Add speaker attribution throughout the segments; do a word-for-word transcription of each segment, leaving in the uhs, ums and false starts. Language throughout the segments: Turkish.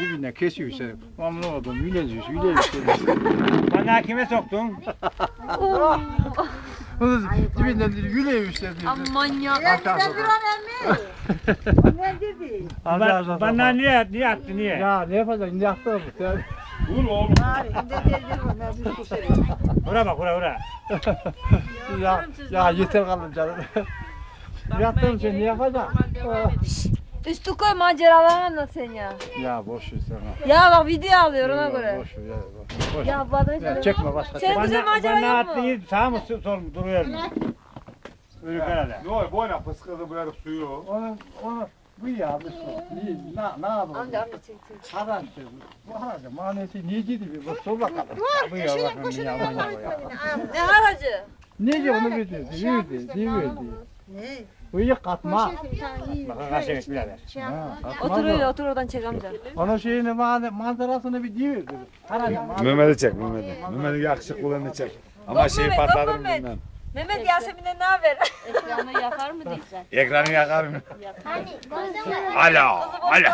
Speaker 1: dibinden kesiyor işte. Mamnun oldum. Yüle diyor. Yüle işte.
Speaker 2: Bana kime soktun?
Speaker 1: Onu dibinden diyor. Yüle işte diyor.
Speaker 3: Aman ya.
Speaker 4: Ben duran emmi. Ne dedi?
Speaker 2: Ba bana niye niye attı niye?
Speaker 1: Ya ne yapacaksın? Ne yaptın bu? Sen...
Speaker 2: Vur oğlum.
Speaker 4: Bari inde dedi bu ben bir kusur.
Speaker 2: Bura bak bura bura.
Speaker 1: ya, ya yeter kalın canım. Yattın sen ne yapacaksın?
Speaker 3: Üstü koy maceralarını anlat sen ya.
Speaker 1: Ya boş ver sana.
Speaker 3: Ya bak video alıyor ona
Speaker 1: Ya,
Speaker 3: göre.
Speaker 1: boş ver ya. Boş, boş.
Speaker 3: Ya bana hiç
Speaker 1: Ya, çekme başka.
Speaker 3: Sen bize macera
Speaker 2: bana
Speaker 3: yok mu?
Speaker 2: attı iyi sağ mı sol mu duruyor mu? Ölü herhalde.
Speaker 5: Yok boyuna fıskıdı böyle suyu.
Speaker 1: Onu, onu bu ya bu su. Ne, ne, ne yapalım?
Speaker 3: Amca amca çek çek.
Speaker 1: Haran işte. Bu haracı manesi niye gidiyor? Bu sor bakalım. Bu ya bakın ya aman ya.
Speaker 3: Ne haracı?
Speaker 1: Ne diyor onu bildi? Diyor diyor diyor.
Speaker 4: Ne?
Speaker 1: Bu iyi katma.
Speaker 2: Bakın kaç yemiş birader.
Speaker 3: Otur öyle otur oradan çek amca.
Speaker 1: Onun şeyini manzarasını bir diyor. Haracı
Speaker 5: Mehmet'i çek Mehmet'i. Mehmet'i yakışıklılığını çek. Ama
Speaker 3: Yok
Speaker 5: şeyi
Speaker 3: Mehmet, yok
Speaker 5: patlatırım
Speaker 3: Mehmet.
Speaker 5: bilmem.
Speaker 3: Mehmet Yasemin'den ne haber?
Speaker 6: Ekranı yakar mı diyeceksin?
Speaker 5: Ekranı yakarım. Alo. Alo.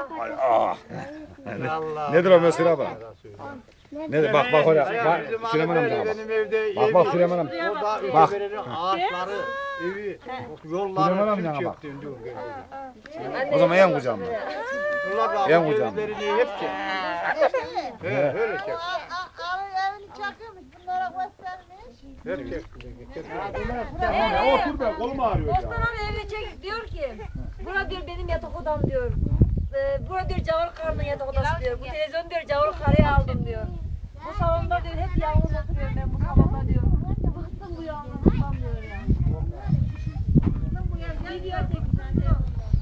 Speaker 5: Alo.
Speaker 1: Allah.
Speaker 5: Nedir o mesela bak? Nedir bak bak oraya. Bak Süleyman amca bak.
Speaker 1: Benim evde
Speaker 5: Bak bak Süleyman amca.
Speaker 1: Orada
Speaker 5: Bak.
Speaker 1: öteberenin ağaçları, evi,
Speaker 5: Süleyman
Speaker 1: yolları
Speaker 5: amca
Speaker 1: tüm
Speaker 5: bak.
Speaker 1: çöktü. diyor.
Speaker 5: O zaman yan kucağımda.
Speaker 1: Bunlar
Speaker 5: Yan
Speaker 1: da
Speaker 5: kucağımda.
Speaker 1: evlerini hep çek. He, öyle çek.
Speaker 4: Ağır evini çakıyormuş bunlara göstermiş.
Speaker 1: Hep çek.
Speaker 5: Otur be kolum ağrıyor ya.
Speaker 3: Osman abi evine çek diyor ki. Bura diyor benim yatak odam diyor. Ee, bura diyor Cavur Karı'nın yatak odası diyor. Bu televizyon diyor Cavur Karı'ya aldım diyor. Bu salonda diyor hep yalnız oturuyorum ben bu salonda diyor. Bıktım bu yalnızlıktan diyor ya. Bıktım bu ya. Video çeksen diyor.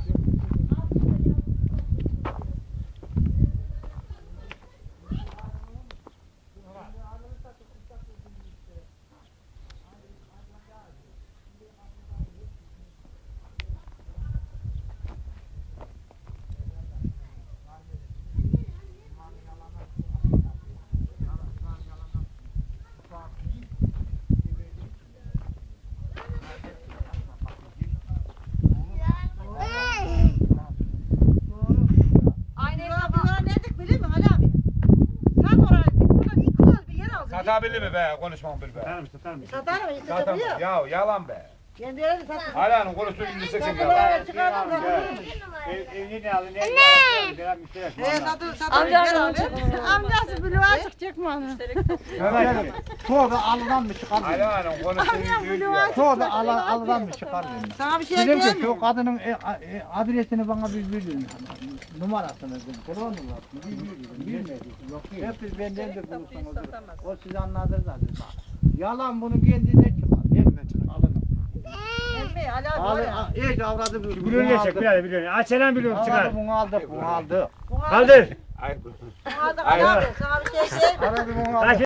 Speaker 4: Bunlara ne dedik biliyor musun Ali abi? Sen oraya gittik. Buradan iki yıl bir yer aldık.
Speaker 5: Satabilir mi be? Konuşmam bil be.
Speaker 2: Satar mısın satar mısın?
Speaker 4: Satar mı?
Speaker 5: Zaten
Speaker 4: Satabiliyor.
Speaker 5: ya yalan be.
Speaker 4: Kendileri satıyor.
Speaker 5: Alanın konusu indirseksin ya.
Speaker 4: Satıyorlar çıkardım satıyormuş.
Speaker 2: Evini ne aldın? Evini aldın?
Speaker 4: He satıyor satıyor.
Speaker 3: Amca
Speaker 4: Gel
Speaker 3: amca.
Speaker 4: abi. Amcası bloğa açık çekme onu.
Speaker 1: Tövbe alıdan mı çıkar?
Speaker 5: Alanın konusu indirseksin.
Speaker 1: Tövbe alıdan mı çıkar?
Speaker 4: Sana bir şey
Speaker 1: Dedim ki
Speaker 4: diyeyim mi?
Speaker 1: şu kadının e, e, adresini bana bir verin. Numarasını verin. Telefon numarasını bir verin. Bilmedim. Hep biz benden de bulursanız. O sizi anladır zaten. Yalan bunu kendine çıkar. Hep alın.
Speaker 4: Emmi Ali abi
Speaker 1: Alın.
Speaker 4: oraya.
Speaker 1: İyice avradı.
Speaker 2: Biliyorum ne çek birader biliyorum. Aç selam biliyorum çıkar.
Speaker 1: Avradı bunu aldık. Bunu aldık.
Speaker 2: Kaldır.
Speaker 4: Aldık Ali abi. Sana bir şey diyeyim mi?
Speaker 1: Avradı bunu aldık.
Speaker 2: Kaç